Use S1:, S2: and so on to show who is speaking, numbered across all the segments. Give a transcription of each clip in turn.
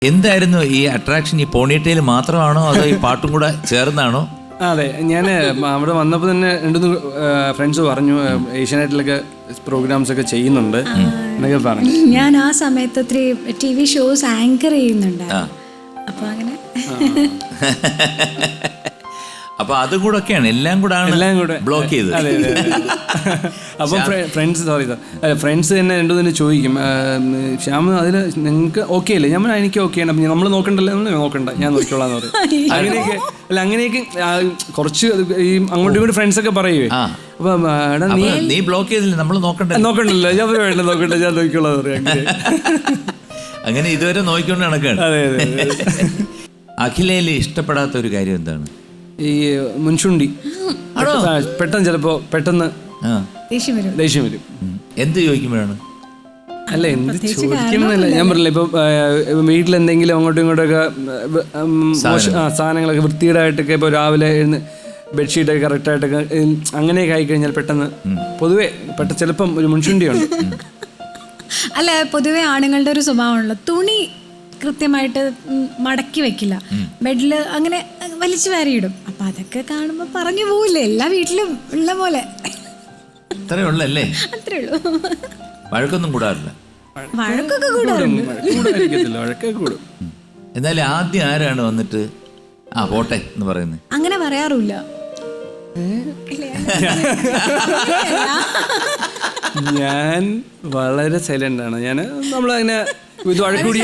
S1: എന്തായിരുന്നു ഈ അട്രാക്ഷൻ? ഈ പോണിറ്റെയിൽ മാത്രമാണോ അതോ ഈ പാട്ടും കൂടെ ചേർന്നാണോ?
S2: അതെ, ഞാൻ അവിടെ വന്നപ്പോൾ തന്നെ 2-3 ഫ്രണ്ട്സ് പറഞ്ഞു ഏഷ്യാനെറ്റിലൊക്കെ പ്രോഗ്രാംസ് ഒക്കെ ചെയ്യുന്നുണ്ട് എന്നൊക്കെ പറഞ്ഞു.
S3: ഞാൻ ആ സമയത്ത് ഒത്തിരി TV ഷോസ് ആങ്കർ ചെയ്യുന്നുണ്ട്. അപ്പൊ അങ്ങനെ
S1: അപ്പൊ അതും കൂടെ ഒക്കെയാണ്, എല്ലാം കൂടെ ബ്ലോക്ക് ചെയ്ത്.
S2: അപ്പം ഫ്രണ്ട്സ് തന്നെ 2-3 ചോദിക്കും, ശ്യാം അതിൽ നിങ്ങൾക്ക് ഓക്കെ അല്ലേ? ഞാൻ എനിക്ക് ഓക്കെ ആണ്, നമ്മൾ നോക്കണ്ടല്ലോ, നോക്കണ്ട, ഞാൻ നോക്കിക്കോളാന്ന് പറയും. അങ്ങനെയൊക്കെ കുറച്ച് ഈ അങ്ങോട്ടും ഇങ്ങോട്ടും ഫ്രണ്ട്സ് ഒക്കെ പറയുവേ. അപ്പൊ
S1: നീ ബ്ലോക്ക് ചെയ്തില്ല, നമ്മൾ
S2: നോക്കണ്ടല്ലോ, ഞാൻ വേണ്ട, നോക്കണ്ട, ഞാൻ നോക്കിക്കോളാന്ന് പറയും.
S1: അങ്ങനെ ഇതുവരെ നോക്കിക്കൊണ്ട് നടക്കാണ്.
S2: അതെ.
S1: അഖിലയില് ഇഷ്ടപ്പെടാത്ത ഒരു കാര്യം എന്താണ്?
S2: ഈ മുൻചുണ്ടി പെട്ടെന്ന് ദേഷ്യം വരും.
S1: എന്ത് ചോദിക്കുമ്പോഴാണ്?
S2: അല്ല, എന്ത് ചോദിക്കണമെന്നല്ല, ഞാൻ പറഞ്ഞില്ല, ഇപ്പൊ വീട്ടിലെന്തെങ്കിലും അങ്ങോട്ടും ഇങ്ങോട്ടൊക്കെ സാധനങ്ങളൊക്കെ വൃത്തികേടായിട്ടൊക്കെ ഇപ്പൊ രാവിലെ ബെഡ്ഷീറ്റൊക്കെ കറക്റ്റായിട്ടൊക്കെ അങ്ങനെയൊക്കെ ആയിക്കഴിഞ്ഞാൽ പെട്ടെന്ന് പൊതുവെ ചിലപ്പം ഒരു മുൻചുണ്ടിയുണ്ട്.
S3: അല്ല, പൊതുവെ ആണുങ്ങളുടെ ഒരു സ്വഭാവമാണല്ലോ, തുണി കൃത്യമായിട്ട് മടക്കി വെക്കില്ല, ബെഡിൽ അങ്ങനെ വലിച്ചു വാരിയിടും. അപ്പൊ അതൊക്കെ കാണുമ്പോ പറഞ്ഞു പോവില്ലേ, എല്ലാ വീട്ടിലും ഉള്ള പോലെ.
S1: അത്രേ ഉള്ളല്ലേ?
S3: അത്രേ ഉള്ളൂ.
S1: വഴക്കൊന്നും കൂടാറില്ല?
S3: വഴക്കൊക്കെ കൂടാറുണ്ട്.
S1: എന്നാലും ആദ്യം ആരാണ് വന്നിട്ട് പോട്ടെ എന്ന് പറയുന്നത്?
S3: അങ്ങനെ പറയാറില്ല.
S2: ഞാൻ വളരെ സൈലന്റ് ആണ്. നമ്മളതിനെ ഇത് വഴക്കൂടിയ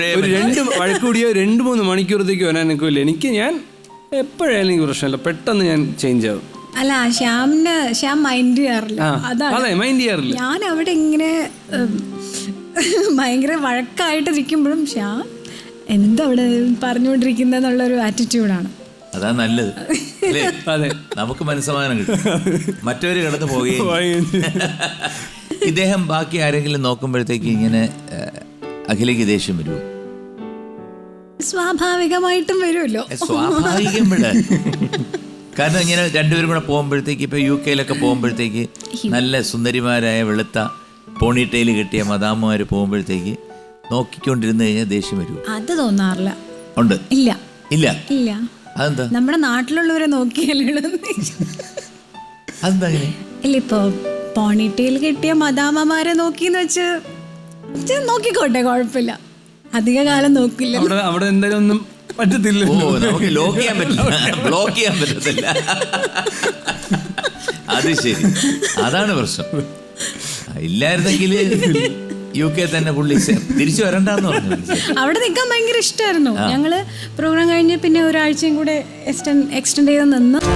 S2: 2-3 മണിക്കൂറത്തേക്ക് വരാൻ നിൽക്കില്ല. ഞാൻ എപ്പോഴായാലും എനിക്ക് പ്രശ്നമില്ല, പെട്ടെന്ന് ഞാൻ ചേഞ്ച് ആവും.
S3: അല്ല, ശ്യാം മൈൻഡ് ചെയ്യാറില്ല.
S2: അതെ, മൈൻഡ് ചെയ്യാറില്ല.
S3: ഞാൻ അവിടെ ഇങ്ങനെ ഭയങ്കര വഴക്കായിട്ടിരിക്കുമ്പോഴും ശ്യാം എന്താ അവിടെ പറഞ്ഞുകൊണ്ടിരിക്കുന്നുള്ളൊരു ആറ്റിറ്റ്യൂഡാണ്.
S1: അതാ നല്ലത്.
S2: അതെ,
S1: നമുക്ക് മനസ്സമാധാനം കിട്ടും, മറ്റവര് കടന്നു പോവുകയും. ഇദ്ദേഹം ബാക്കി ആരെങ്കിലും നോക്കുമ്പോഴത്തേക്ക് ഇങ്ങനെ അഖിലേക്ക് ദേഷ്യം വരുമോ?
S3: സ്വാഭാവികമായിട്ടും വരുമല്ലോ.
S1: സ്വാഭാവികം വിട്. കാരണം ഇങ്ങനെ രണ്ടുപേരും കൂടെ പോകുമ്പോഴത്തേക്ക്, ഇപ്പൊ UK പോകുമ്പോഴത്തേക്ക് നല്ല സുന്ദരിമാരായ വെളുത്ത പോണിറ്റെയിൽ കിട്ടിയ മദാമ്മമാര് പോകുമ്പോഴത്തേക്ക് നോക്കിക്കൊണ്ടിരുന്ന് കഴിഞ്ഞാൽ ദേഷ്യം വരുമോ?
S3: അത് തോന്നാറില്ല.
S1: ഉണ്ട്?
S3: ഇല്ല.
S1: അതെന്താ?
S3: നമ്മുടെ നാട്ടിലുള്ളവരെ നോക്കിയല്ലോ.
S1: അതെന്താ അങ്ങനെ?
S3: ഇല്ല, ഇപ്പൊ പോണിറ്റെയിൽ കിട്ടിയ മദാമ്മമാരെ നോക്കിന്ന് വെച്ച് നോക്കിക്കോട്ടെ, കുഴപ്പമില്ല, അധിക കാലം നോക്കില്ല.
S2: അവിടെ എന്തായാലും ഒന്നും പറ്റത്തില്ല.
S1: നമുക്ക് ബ്ലോക്ക് ചെയ്യാൻ പറ്റത്തില്ല. അത് ശരി, അതാണ് പ്രശ്നം. ഇല്ലായിരുന്നെങ്കിൽ UK തന്നെ പുള്ളി തിരിച്ചു വരണ്ടെന്ന് പറഞ്ഞു.
S3: അവിടെ നിൽക്കാൻ ഭയങ്കര ഇഷ്ടമായിരുന്നു. ഞങ്ങള് പ്രോഗ്രാം കഴിഞ്ഞ് പിന്നെ ഒരാഴ്ചയും കൂടെ എക്സ്റ്റെൻഡ് ചെയ്ത് നിന്ന്